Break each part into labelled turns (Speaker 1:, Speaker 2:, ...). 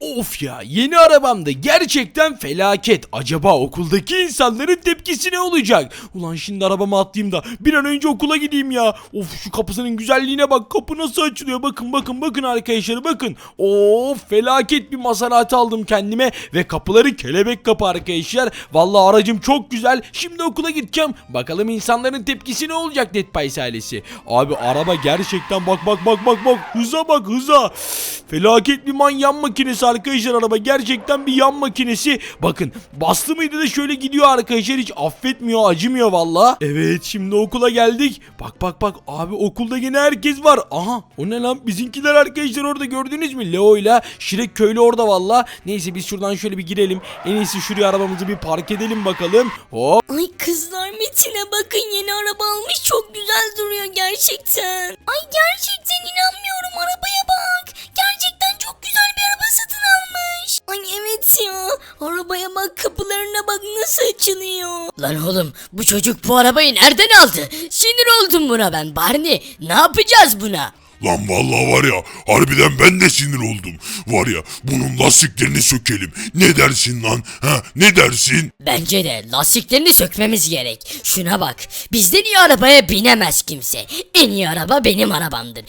Speaker 1: Of ya, yeni arabamda gerçekten felaket. Acaba okuldaki insanların tepkisi ne olacak? Ulan şimdi arabama atlayayım da bir an önce okula gideyim ya. Of, şu kapısının güzelliğine bak. Kapı nasıl açılıyor? Bakın arkadaşlar, bakın. Of, felaket bir Maserati aldım kendime ve kapıları kelebek kapı arkadaşlar. Vallahi aracım çok güzel. Şimdi okula gideceğim. Bakalım insanların tepkisi ne olacak Dead Pies ailesi. Abi araba gerçekten bak. Hıza bak, hıza. Felaket bir yan makinesi arkadaşlar araba. Gerçekten bir yan makinesi. Bakın, bastı mıydı da şöyle gidiyor arkadaşlar. Hiç affetmiyor, acımıyor valla. Evet, şimdi okula geldik. Bak abi, okulda yine herkes var. Aha, o ne lan? Bizimkiler arkadaşlar orada, gördünüz mü? Leo ile Şirek köylü orada valla. Neyse, biz şuradan şöyle bir girelim. En iyisi şuraya arabamızı bir park edelim bakalım. Hop.
Speaker 2: Ay kızlar, Metin'e bakın, yeni araba almış, çok güzel duruyor gerçekten. Ay gerçekten inanmıyorum, arabaya bak. Gerçekten çok güzel bir araba satın almış. Ay evet ya, arabaya bak, kapılarına bak nasıl açılıyor.
Speaker 3: Lan oğlum, bu çocuk bu arabayı nereden aldı? Sinir oldum buna ben. Barney, ne yapacağız buna?
Speaker 4: Lan vallahi var ya, harbiden ben de sinir oldum. Var ya, bunun lastiklerini sökelim. Ne dersin lan? Ha, ne dersin?
Speaker 3: Bence de lastiklerini sökmemiz gerek. Şuna bak, bizden iyi arabaya binemez kimse. En iyi araba benim arabamdır.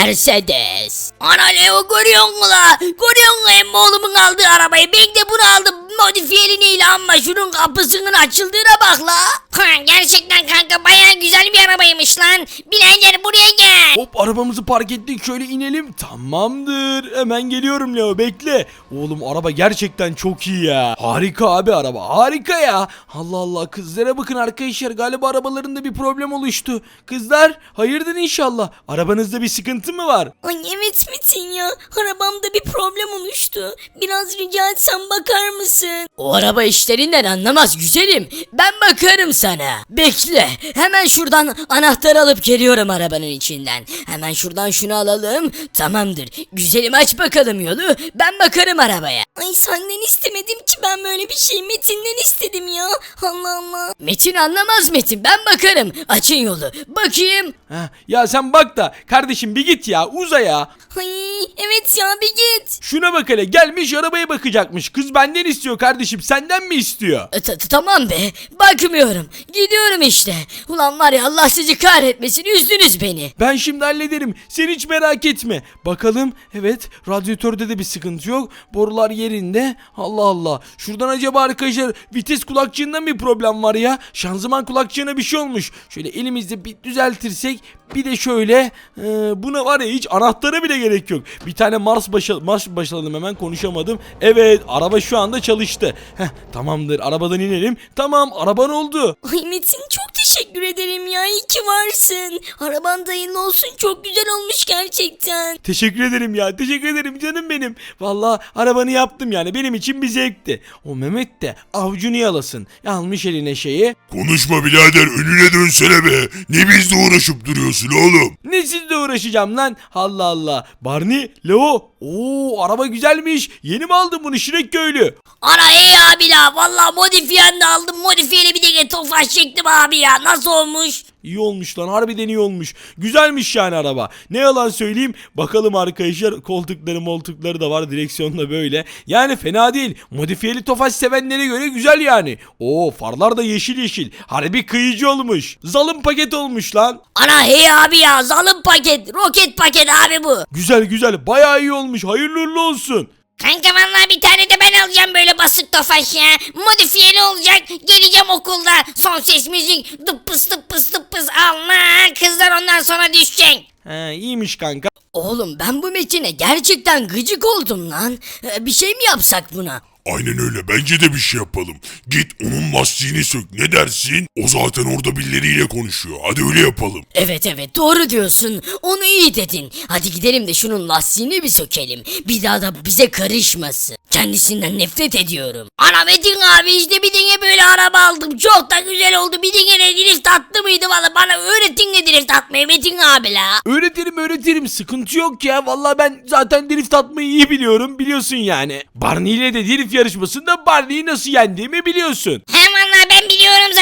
Speaker 3: Mercedes. Ana Leo, görüyor musun la? Görüyor musun emmi oğlumun aldığı arabayı? Ben de bunu aldım. Modifiyeliyle, ama şunun kapısının açıldığına bak la.
Speaker 2: Gerçekten kanka, bayağı güzel bir arabaymış lan. Birader buraya gel.
Speaker 1: Hop, arabamızı park ettik, şöyle inelim. Tamamdır, hemen geliyorum Leo, bekle. Oğlum araba gerçekten çok iyi ya. Harika abi, araba harika ya. Allah Allah, kızlara bakın arkadaşlar, galiba arabalarında bir problem oluştu. Kızlar, hayırdır inşallah. Arabanızda bir sıkıntı mı var?
Speaker 2: Ay evet Metin ya, arabamda bir problem oluştu. Biraz rica etsem bakar mısın?
Speaker 3: O araba işlerinden anlamaz güzelim. Ben bakarım sana. Bekle. Hemen şuradan anahtarı alıp geliyorum arabanın içinden. Hemen şuradan şunu alalım. Tamamdır. Güzelim, aç bakalım yolu. Ben bakarım arabaya.
Speaker 2: Ay senden istemedim ki ben böyle bir şey, Metin'den istedim ya. Allah Allah.
Speaker 3: Metin anlamaz Metin. Ben bakarım. Açın yolu. Bakayım.
Speaker 1: Heh, ya sen bak da kardeşim, bir git ya, uza ya.
Speaker 2: Ay evet ya, bir git.
Speaker 1: Şuna bak hele, gelmiş arabaya bakacakmış. Kız benden istiyor kardeşim, senden mi istiyor?
Speaker 3: Tamam be. Bakmıyorum. Gidiyorum işte. Ulan var ya, Allah sizi kahretmesin. Üzdünüz beni.
Speaker 1: Ben şimdi hallederim. Sen hiç merak etme. Bakalım. Evet, radyatörde de bir sıkıntı yok. Borular yerinde. Allah Allah. Şuradan acaba arkadaşlar vites kulakçığında bir problem var ya. Şanzıman kulakçığına bir şey olmuş. Şöyle elimizde bir düzeltirsek. Bir de şöyle. Buna var ya, hiç anahtara bile gerek yok. Bir tane marş başladım, hemen konuşamadım. Evet, araba şu anda çalıştı. Tamamdır, arabadan inelim. Tamam, araban oldu.
Speaker 2: Ay Metin, çok teşekkür ederim ya, iyi ki varsın. Araban da hayırlı olsun, çok güzel olmuş gerçekten.
Speaker 1: Teşekkür ederim ya, teşekkür ederim canım benim. Vallahi arabanı yaptım yani, benim için bir zevkti. O Mehmet de avucunu yalasın. Almış eline şeyi.
Speaker 4: Konuşma birader, önüne dönsene be. Ne bizle uğraşıp duruyorsun oğlum?
Speaker 1: Ne sizle uğraşacağım lan? Allah Allah. Barney, Leo. Oo, araba güzelmiş. Yeni mi aldın bunu Şirek köylü?
Speaker 3: Ana iyi abi la. Valla modifiyen de aldım. Modifiyeli bir de tofaş çektim abi ya. Nasıl olmuş?
Speaker 1: İyi olmuş lan, harbiden iyi olmuş. Güzelmiş yani araba. Ne yalan söyleyeyim. Bakalım arkadaşlar, koltukları da var, direksiyonda böyle. Yani fena değil. Modifiyeli Tofaş sevenlere göre güzel yani. Oo, farlar da yeşil. Harbi kıyıcı olmuş. Zalım paket olmuş lan.
Speaker 3: Ana hey abi ya, zalim paket, roket paket abi bu.
Speaker 1: Güzel, bayağı iyi olmuş. Hayırlı uğurlu olsun.
Speaker 2: Kanka vallahi bir tane de ben alacağım böyle basık tofaş ya. Modifiyeli olacak. Geleceğim okulda. Son ses müzik. Dıppıs tıppıs tıppıs. Allah, kızlar ondan sonra düşecek.
Speaker 1: İyiymiş kanka.
Speaker 3: Oğlum, ben bu Metin'e gerçekten gıcık oldum lan. Bir şey mi yapsak buna?
Speaker 4: Aynen öyle, bence de bir şey yapalım. Git onun lastiğini sök, ne dersin? O zaten orada birileriyle konuşuyor. Hadi öyle yapalım.
Speaker 3: Evet doğru diyorsun. Onu iyi dedin. Hadi gidelim de şunun lastiğini bir sökelim. Bir daha da bize karışmasın. Kendisinden nefret ediyorum.
Speaker 2: Ana Metin abi, işte bir tane böyle araba aldım. Çok da güzel oldu. Bir tane de drift attı mıydı valla? Bana öğretin de drift atmayı Metin abi la.
Speaker 1: Öğretirim, sıkıntı yok ya. Vallahi ben zaten drift atmayı iyi biliyorum, biliyorsun yani. Barney ile de drift yarışmasında Barney'i nasıl yendiğimi biliyorsun.
Speaker 2: He valla ben biliyorum zaten.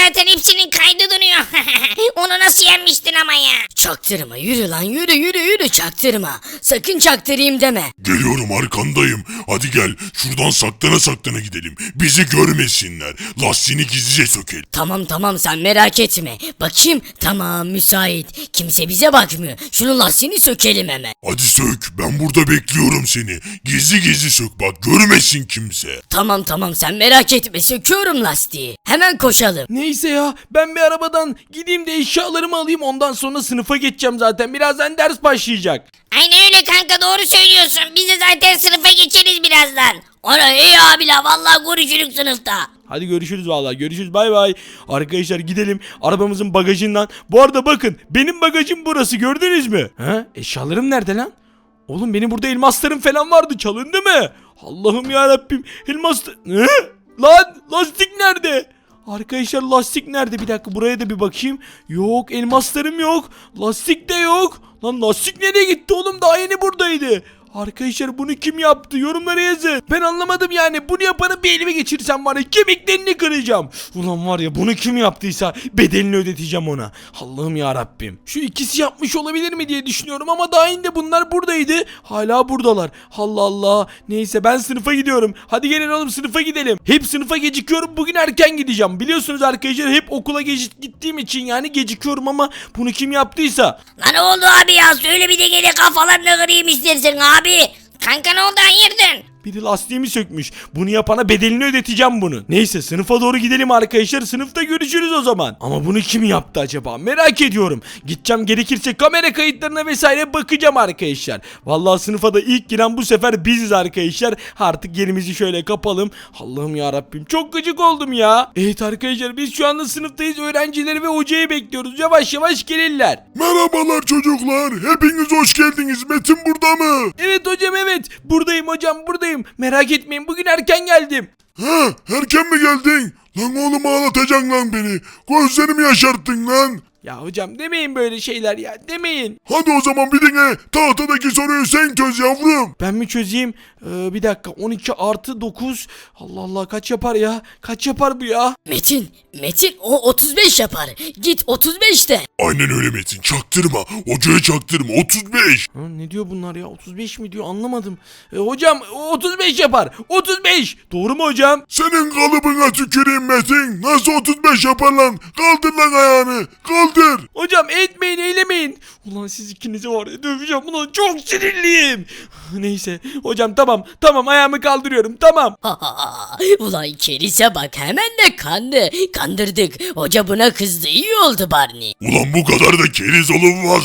Speaker 2: zaten hepsinin kaydı duruyor. Onu nasıl yenmiştin ama ya?
Speaker 3: Çaktırma yürü lan yürü çaktırma. Sakın çaktırayım deme.
Speaker 4: Geliyorum arkandayım. Hadi gel şuradan saklana gidelim. Bizi görmesinler. Lastiğini gizlice sökelim.
Speaker 3: Tamam sen merak etme. Bakayım tamam müsait. Kimse bize bakmıyor. Şunun lastiğini sökelim hemen.
Speaker 4: Hadi sök, ben burada bekliyorum seni. Gizli sök bak, görmesin kimse.
Speaker 3: Tamam sen merak etme söküyorum lastiği. Hemen koşalım.
Speaker 1: Neyse ya ben bir arabadan gideyim de eşyalarımı alayım, ondan sonra sınıfa geçeceğim zaten. Birazdan ders başlayacak.
Speaker 2: Aynen öyle kanka, doğru söylüyorsun. Biz de zaten sınıfa geçeriz birazdan. Ana iyi abiler, vallahi görüşürüz sınıfta.
Speaker 1: Hadi görüşürüz vallahi, görüşürüz, bay bay. Arkadaşlar gidelim arabamızın bagajından. Bu arada bakın benim bagajım burası, gördünüz mü? He? Eşyalarım nerede lan? Oğlum benim burada elmaslarım falan vardı, çalındı mı? Allah'ım ya Rabbim, elmas... Ne? Lan lastik nerede? Arkadaşlar lastik nerede? Bir dakika buraya da bir bakayım. Yok, elmaslarım yok. Lastik de yok. Lan lastik nereye gitti oğlum? Daha yeni buradaydı. Arkadaşlar bunu kim yaptı? Yorumlara yazın. Ben anlamadım yani. Bunu yapanı bir elime geçirsem var ya, kemiklerini kıracağım. Ulan var ya, bunu kim yaptıysa bedelini ödeteceğim ona. Allah'ım ya Rabbim. Şu ikisi yapmış olabilir mi diye düşünüyorum ama daha yine bunlar buradaydı. Hala buradalar. Allah Allah. Neyse ben sınıfa gidiyorum. Hadi gelin oğlum sınıfa gidelim. Hep sınıfa gecikiyorum. Bugün erken gideceğim. Biliyorsunuz arkadaşlar, hep okula gittiğim için yani gecikiyorum ama bunu kim yaptıysa.
Speaker 2: Lan ne oldu abi ya? Söyle bir de gene kafalarını kırayım istersen abi. Kanka ne oldu, hayırdır?
Speaker 1: Biri lastiğimi sökmüş. Bunu yapana bedelini ödeteceğim bunu. Neyse sınıfa doğru gidelim arkadaşlar. Sınıfta görüşürüz o zaman. Ama bunu kim yaptı acaba? Merak ediyorum. Gideceğim, gerekirse kamera kayıtlarına vesaire bakacağım arkadaşlar. Vallahi sınıfa da ilk giren bu sefer biziz arkadaşlar. Artık yerimizi şöyle kapalım. Allah'ım ya Rabbim, çok gıcık oldum ya. Evet arkadaşlar, biz şu anda sınıftayız. Öğrencileri ve hocayı bekliyoruz. Yavaş yavaş gelirler.
Speaker 4: Merhabalar çocuklar, hepiniz hoş geldiniz. Metin burada mı?
Speaker 1: Evet hocam, evet. Buradayım hocam, buradayım. Merak etmeyin, bugün erken geldim.
Speaker 4: Ha, erken mi geldin? Lan oğlum ağlatacaksın lan beni. Gözlerimi yaşarttın lan.
Speaker 1: Ya hocam demeyin böyle şeyler ya, demeyin.
Speaker 4: Hadi o zaman bir dinle. Tahtadaki soruyu sen çöz yavrum.
Speaker 1: Ben mi çözeyim? Bir dakika, 12 artı 9. Allah Allah, kaç yapar ya? Kaç yapar bu ya?
Speaker 3: Metin o 35 yapar. Git 35 de.
Speaker 4: Aynen öyle Metin, çaktırma. Hocaya çaktırma, 35.
Speaker 1: Ha, ne diyor bunlar ya? 35 mi diyor, anlamadım. Hocam 35 yapar. 35. Doğru mu hocam?
Speaker 4: Senin kalıbına tüküreyim Metin. Nasıl 35 yapar lan? Kaldır lan ayağını. Kaldır.
Speaker 1: Hocam etmeyin, eylemeyin. Ulan siz ikinizi var ya döveceğim. Ulan çok sinirliyim. Neyse hocam, tamam ayağımı kaldırıyorum, tamam.
Speaker 3: Ulan kerise bak hemen de kandı. Kandırdık. Hoca buna kızdı. İyi oldu Barney.
Speaker 4: Ulan bu kadar da keriz olunmaz.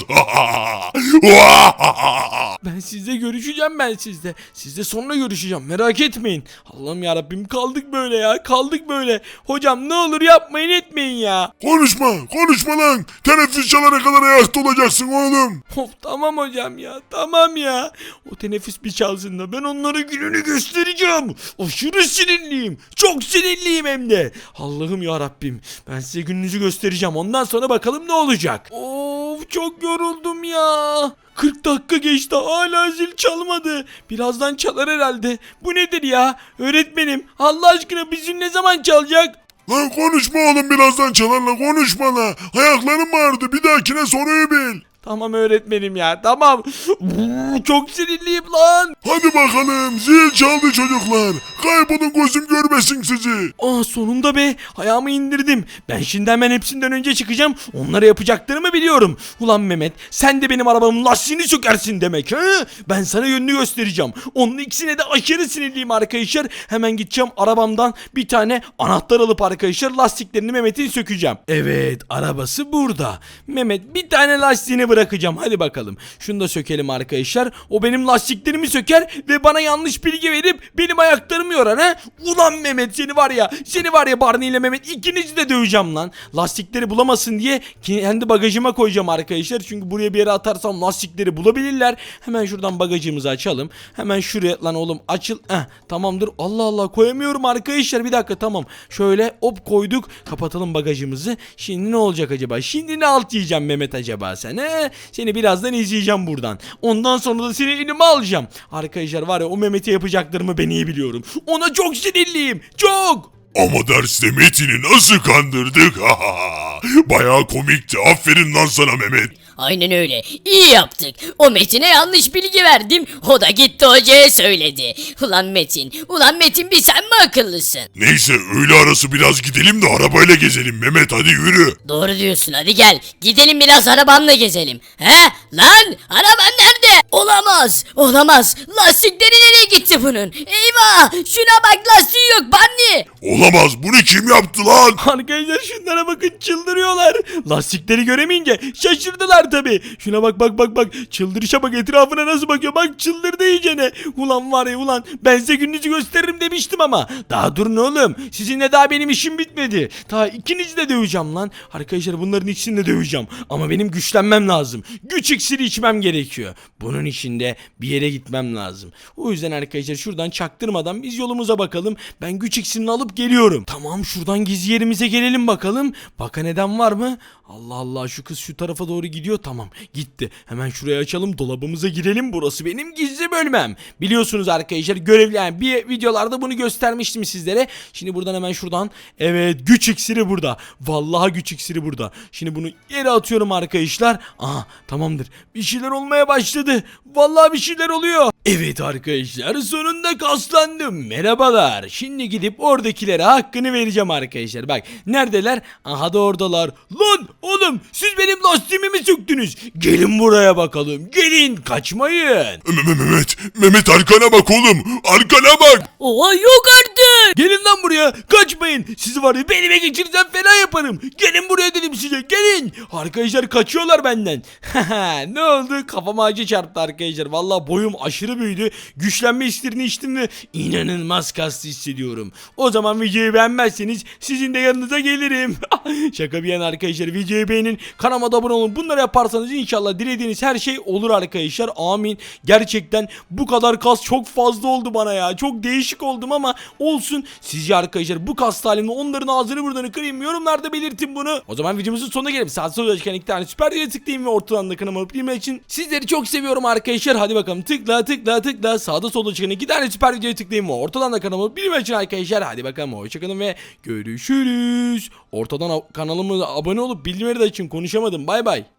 Speaker 1: Ben sizle görüşeceğim, ben sizle. Sizle sonra görüşeceğim, merak etmeyin. Allah'ım yarabbim, kaldık böyle ya, kaldık böyle. Hocam ne olur yapmayın etmeyin ya.
Speaker 4: Konuşma lan. Teneffüs çalana kadar ayakta olacaksın oğlum.
Speaker 1: Of tamam hocam ya, tamam ya. O teneffüs bir çalsın da ben onlara gününü göstereceğim. Aşırı sinirliyim, çok sinirliyim hem de. Allah'ım ya Rabbim, ben size gününüzü göstereceğim, ondan sonra bakalım ne olacak. Of çok yoruldum ya. 40 dakika geçti, hala zil çalmadı. Birazdan çalar herhalde. Bu nedir ya? Öğretmenim, Allah aşkına bizim ne zaman çalacak?
Speaker 4: Lan konuşma oğlum, birazdan çalarla konuşma la. Ayaklarım ağrıdı, bir dahakine soruyu bil.
Speaker 1: Tamam öğretmenim ya, tamam. Çok sinirliyim lan.
Speaker 4: Hadi bakalım, zil çaldı çocuklar. Kaybolun, gözüm görmesin sizi.
Speaker 1: Sonunda be, ayağımı indirdim. Ben şimdi hemen hepsinden önce çıkacağım. Onlara yapacaklarımı biliyorum. Ulan Mehmet, sen de benim arabamın lastiğini sökersin demek ha? Ben sana yönünü göstereceğim. Onun ikisine de aşırı sinirliyim arkadaşlar. Hemen gideceğim arabamdan bir tane anahtar alıp arkadaşlar lastiklerini Mehmet'in sökeceğim. Evet, arabası burada. Mehmet bir tane lastiğini bırakacağım. Hadi bakalım. Şunu da sökelim arkadaşlar. O benim lastiklerimi söker ve bana yanlış bilgi verip benim ayaklarımı yorar ha. Ulan Mehmet, seni var ya Barney ile Mehmet, ikinizi de döveceğim lan. Lastikleri bulamasın diye kendi bagajıma koyacağım arkadaşlar. Çünkü buraya bir yere atarsam lastikleri bulabilirler. Hemen şuradan bagajımızı açalım. Hemen şuraya lan oğlum açıl. Tamamdır. Allah Allah, koyamıyorum arkadaşlar. Bir dakika, tamam. Şöyle hop koyduk. Kapatalım bagajımızı. Şimdi ne olacak acaba? Şimdi ne alt yiyeceğim Mehmet acaba sen he? Seni birazdan izleyeceğim buradan. Ondan sonra da seni elime alacağım. Arkadaşlar var ya, o Mehmet'e yapacaklarımı ben iyi biliyorum. Ona çok sinirliyim. Çok.
Speaker 4: Ama derste Metin'i nasıl kandırdık? Bayağı komikti. Aferin lan sana Mehmet.
Speaker 3: Aynen öyle. İyi yaptık. O Metin'e yanlış bilgi verdim. O da gitti hocaya söyledi. Ulan Metin bir sen mi akıllısın?
Speaker 4: Neyse öğle arası biraz gidelim de arabayla gezelim Mehmet, hadi yürü.
Speaker 3: Doğru diyorsun, hadi gel. Gidelim biraz arabanla gezelim. He? Lan araban nerede? Olamaz. Lastikleri nereye gitti bunun? Eyvah! Şuna bak, lastiği yok Bandi.
Speaker 4: Olamaz, bunu kim yaptı lan?
Speaker 1: Arkadaşlar şunlara bakın, çıldırıyorlar. Lastikleri göremeyince şaşırdılar tabi. Şuna bak. Çıldırışa bak, etrafına nasıl bakıyor. Bak çıldırdı iyicene. Ulan var ya ulan, ben size gününüzü gösteririm demiştim ama. Daha durun oğlum. Sizinle daha benim işim bitmedi. Daha ikinizi de döveceğim lan. Arkadaşlar bunların ikisini de döveceğim. Ama benim güçlenmem lazım. Güç iksiri içmem gerekiyor. Bunun için de bir yere gitmem lazım. O yüzden arkadaşlar şuradan çaktırmadan biz yolumuza bakalım. Ben güç iksirini alıp geliyorum. Tamam, şuradan gizli yerimize gelelim bakalım. Bakan eden var mı? Allah Allah, şu kız şu tarafa doğru gidiyor. Tamam, gitti. Hemen şuraya açalım, dolabımıza girelim. Burası benim gizli bölmem. Biliyorsunuz arkadaşlar, görevli yani bir videolarda bunu göstermiştim sizlere. Şimdi buradan hemen şuradan. Evet, güç iksiri burada. Vallahi güç iksiri burada. Şimdi bunu yere atıyorum arkadaşlar. Aha, tamamdır. Bir şeyler olmaya başladı. Vallahi bir şeyler oluyor. Evet arkadaşlar, sonunda kaslandım. Merhabalar. Şimdi gidip oradakilere hakkını vereceğim arkadaşlar. Bak neredeler? Aha da oradalar. Lan oğlum, siz benim lastiğimi mi söktünüz? Gelin buraya bakalım. Gelin, kaçmayın.
Speaker 4: Mehmet arkana bak oğlum, arkana bak.
Speaker 3: Oha, yok artık.
Speaker 1: Gelin lan buraya. Kaçmayın. Sizi var ya, belime geçirsem fena yaparım. Gelin buraya dedim size. Gelin. Arkadaşlar kaçıyorlar benden. Ne oldu? Kafama acı çarptı arkadaşlar. Vallahi boyum aşırı büyüdü. Güçlenme iksirini içtim ve inanılmaz kaslı hissediyorum. O zaman videoyu beğenmezseniz sizin de yanınıza gelirim. Şaka bir yana arkadaşlar, videoyu beğenin. Kanalıma da abone olun. Bunları yaparsanız inşallah dilediğiniz her şey olur arkadaşlar. Amin. Gerçekten bu kadar kas çok fazla oldu bana ya. Çok değişik oldum ama olsun. Sizce arkadaşlar bu kas halimle onların ağzını buradan kırayım. Yorumlarda belirtin bunu. O zaman videomuzun sonuna gelelim. Sağ solda çıkan 2 tane süper diye tıklayayım ve ortadan da kanalıma abone için. Sizleri çok seviyorum arkadaşlar. Hadi bakalım, tıkla. Sağda solda çıkan 2 tane süper videoya tıklayayım ve ortadan da kanalıma abone için arkadaşlar. Hadi bakalım, hoşçakalın ve görüşürüz. Ortadan kanalıma abone olup bildirimleri de açın. Konuşamadım. Bay bay.